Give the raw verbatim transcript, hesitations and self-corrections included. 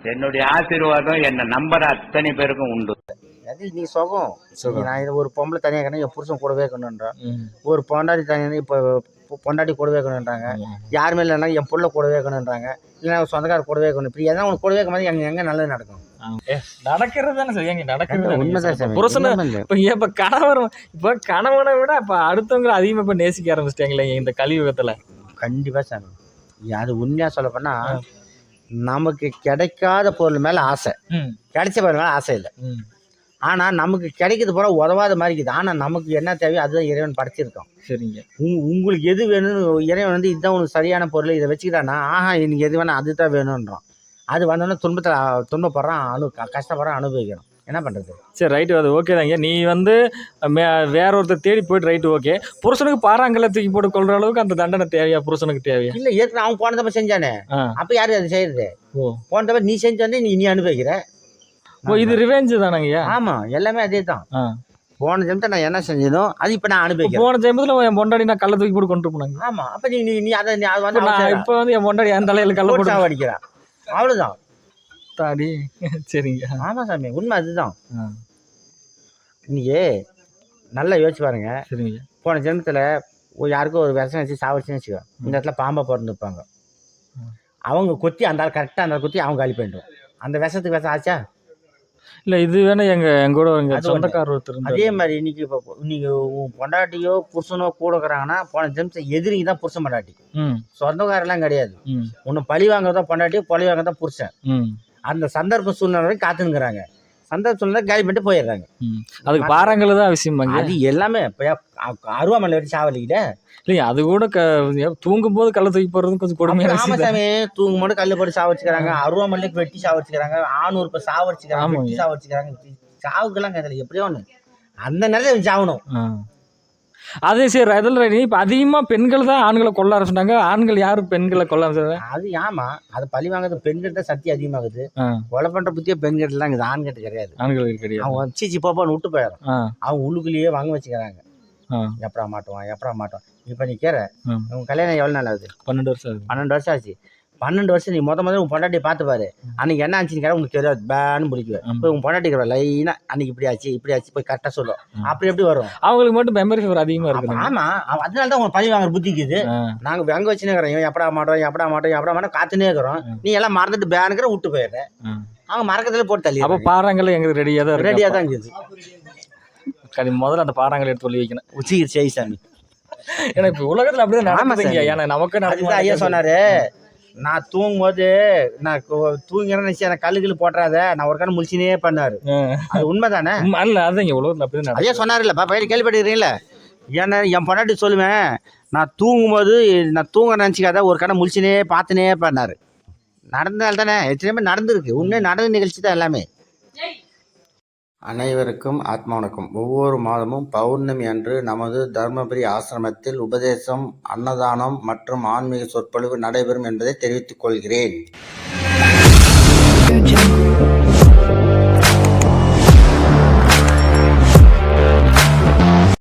என்னுடைய ஆசீர்வாதம் என்ன நம்பர் அத்தனை பேருக்கும் உண்டு. அது நீ சுகம் நான் இது ஒரு பொம்பளை தனியாக இருக்கணும் என் புருஷன் கூடவே இருக்கணுன்றான், ஒரு பொண்டாட்டி தனியாக இப்போ பொண்டாட்டி கூடவே இருக்கணுன்றாங்க, யாருமே இல்லைன்னா என் புள்ள கூடவே இருக்கணுன்றாங்க, இல்லைன்னா சொந்தக்கார கூடவே இருக்கணும். இப்படி எதாவது உனக்கு கூடவே இருக்கும் போது எங்க எங்க நல்லது நடக்கும்? நடக்கிறது தானே சார், எங்க நடக்கிறது உண்மைதான். புருஷனை இப்போ இப்போ கணவர் இப்போ கணவனை விட இப்போ அடுத்தவங்களை அதிகமாக இப்போ நேசிக்க ஆரம்பிச்சிட்டாங்களே இந்த கலியுகத்தில். கண்டிப்பாக சாமி, அது உண்மையாக சொல்ல போனா நமக்கு கிடைக்காத பொருள் மேலே ஆசை, கிடைச்ச பொருள் மேலே ஆசை இல்லை. ஆனால் நமக்கு கிடைக்கிறது போல உதவாத மாதிரி இருக்குது. ஆனால் நமக்கு என்ன தேவையோ அதுதான் இறைவன் படைச்சிருக்கோம். சரிங்க, உங் உங்களுக்கு எது வேணும்னு இறைவன் வந்து இதுதான் உனக்கு சரியான பொருள், இதை வச்சுக்கிட்டானா ஆஹா இன்னைக்கு எது வேணா அதுதான் வேணும்ன்றான். அது வந்தோடனே துன்பத்தில் துன்பப்படுறான், அனு கஷ்டப்படுறான், அனுபவிக்கிறோம். என்ன பண்ணுறது? சரி ரைட்டு, அது ஓகே தாங்க. நீ வந்து மே வேற ஒருத்தர் தேடி போயிட்டு ரைட்டு ஓகே. புருஷனுக்கு பாறாங்கல்ல தூக்கி போட்டு கொள்ற அளவுக்கு அந்த தண்டனை தேவையா புருஷனுக்கு? தேவையா? இல்லை, ஏற்கனவே அவன் போன தப்ப செஞ்சானே, அப்போ யாரு அது செய்யறது? ஓ, போன தப்ப நீ செஞ்சானே நீ நீ அனுபவிக்கிற. ஓ, இது ரிவெஞ்ச் தானங்கய்யா? ஆமாம், எல்லாமே அதே தான். போன ஜென்மத்தை நான் என்ன செஞ்சனோ அது இப்போ நான் அனுபவிக்கிறேன். போன ஜென்மத்தில் என் பொண்டாடி நான் கல்லை தூக்கி போட்டு கொண்டு போனாங்க. ஆமாம், அப்போ நீ நீ அதை நீ அது வந்து இப்போ வந்து என் பொண்டாடி என் தலையில் கல்லை போட்டு சாவடிக்கிறான், அவ்வளோதான் தாடி. சரிங்க, ஆமாம் சாமி, உண்மை அதுதான். இன்னைக்கு நல்லா யோசிச்சு பாருங்க. சரிங்க, போன ஜென்மத்தில் யாருக்கும் ஒரு விஷம் வச்சு சாவடிச்சுன்னு வச்சுக்கோ, இந்த இடத்துல பாம்பை பிறந்துருப்பாங்க, அவங்க கொத்தி அந்த கரெக்டாக அந்த கொத்தி அவங்க காலி பண்ணிடுவோம். அந்த விஷத்துக்கு விஷம் ஆச்சா? இல்லை, இது வேணா எங்க எங்கூட எங்கள் சொந்தக்காரர் ஒருத்தர். அதே மாதிரி இன்னைக்கு இப்போ நீங்கள் உன் பொண்டாட்டியோ புருஷனோ கூட இருக்கிறாங்கன்னா போன ஜென்மத்தை எதிரிங்க தான் புருஷன் பொண்டாட்டி, சொந்தக்காரெல்லாம் கிடையாது. ஒன்று பழி வாங்குறதா பொண்டாட்டி, பழி வாங்குறதா புருஷன். அந்த சந்தர்ப்ப சூழ்நிலை வரைக்கும் காத்துனுக்குறாங்க, சந்தர்ப்ப சூழ்நிலை காலி பண்ணிட்டு போயிடுறாங்க. அதுக்கு பாறாங்கல் தான் அவசியம். அது எல்லாமே இப்போ அருவாமலை வச்சு சாவலிக்கிட்ட இல்லையா? அது கூட க தூங்கும் போது கல்லை தூக்கி போடுறது கொஞ்சம் கொடுமையான. ஆமாசாமி, தூங்கும் போது கல்லை போட்டு சாவடிச்சுக்கிறாங்க, அருவாமலைக்கு வெட்டி சாவடிச்சுக்கிறாங்க, ஆணூர் இப்போ சாவடிச்சுக்கிறாங்க, வெட்டி சாவடிச்சுக்கிறாங்க. சாவுக்கெல்லாம் கேட்கல, எப்படியோ ஒன்று அந்த நேரத்தில் சாவணும். அதே சரி, அதில் இப்போ அதிகமாக பெண்கள் தான் ஆண்களை கொல்ல ஆரம்பிச்சிட்டாங்க. ஆண்கள் யாரும் பெண்களை கொல்ல ஆரம்பிச்சாங்க. அது ஆமா, அது பழி வாங்குறது பெண்கிட்ட தான் சக்தி அதிகமாகுது. கொலை பண்ற புத்தியே பெண்கிட்ட தான் இருக்குது, ஆண்கிட்ட கிடையாது. ஆண்களுக்கு கிடையாது. அவங்க சீச்சி போப்பான்னு விட்டு போயிடும், அவங்க உள்ளுக்குள்ளேயே வாங்க வச்சுக்கிறாங்க. எப்படா மாட்டுவான் எப்படா மாட்டோம். இப்போ நீ கேற உங்க கல்யாணம் எவ்வளோ நாள் ஆகுது? பன்னெண்டு வருஷம் ஆகுது. பன்னெண்டு வருஷம் ஆச்சு. பன்னெண்டு வருஷம் நீ மொத முதல்ல உன் பொண்டாட்டியை பார்த்து பாரு. அன்னைக்கு என்ன ஆச்சுன்னு கேட்க உங்களுக்கு தெரியாது, பேன்னு பிடிக்குவேன். இப்போ உன் பொண்டாட்டிக்கிற லைனா அன்னைக்கு இப்படி ஆச்சு இப்படி ஆச்சு போய் கரெக்டாக சொல்லும். அப்படி எப்படி வரும்? அவங்களுக்கு மட்டும் மெமரி ஃபவர் அதிகமாக இருக்கும். ஆமா, அதனால தான் உங்க பழி வாங்குற புத்திக்குது. நாங்கள் வெங்க வச்சுனே இருக்கிறோம், எப்படா மாட்டோம் எப்படா மாட்டோம் எப்படா மாட்டோம் காத்துனே இருக்கிறோம். நீ எல்லாம் மறந்துட்டு பேனுக்கிற விட்டு போயிடுறேன், அவங்க மறக்கத்துல போட்டு தள்ளி. அப்போ பாறாங்கல்ல எங்களுக்கு ரெடியாக தான் ரெடியாக தான் இருக்குது. முதல்ல அந்த பாறாங்கல் எடுத்து சொல்லி வைக்கணும். உச்சி செய் சாமி. ஏன்னா இப்போ உலகத்தில் அப்படிதான் நடக்குதுங்க. ஏன்னா நமக்கு நடக்குது. ஐயா சொன்னாரு, நான் தூங்கும் போது நான் தூங்கிறேன்னு நினைச்சு எனக்கு கல்லுகள் போட்டுறாத, நான் ஒரு கண் முழிச்சினே பண்ணாரு. அது உண்மைதானே? அல்ல, அதுதான் இங்கே உலகத்தில் அப்படிதான். ஐயா சொன்னார் இல்லப்பா, பயிர் கேள்விப்பட்டுக்கிறீங்களா? ஏன்னா என் பொண்டாட்டி சொல்லுவேன், நான் தூங்கும்போது நான் தூங்க நினச்சிக்காத ஒரு கடை முழிச்சினே பார்த்துனே பண்ணார். நடந்தால் தானே எத்தனை நடந்திருக்கு, உண்மை நடந்த நிகழ்ச்சி தான் எல்லாமே. அனைவருக்கும் ஆத்மா வணக்கம். ஒவ்வொரு மாதமும் பௌர்ணமி அன்று நமது தர்மபுரி ஆசிரமத்தில் உபதேசம், அன்னதானம் மற்றும் ஆன்மீக சொற்பொழிவு நடைபெறும் என்பதை தெரிவித்துக் கொள்கிறேன்.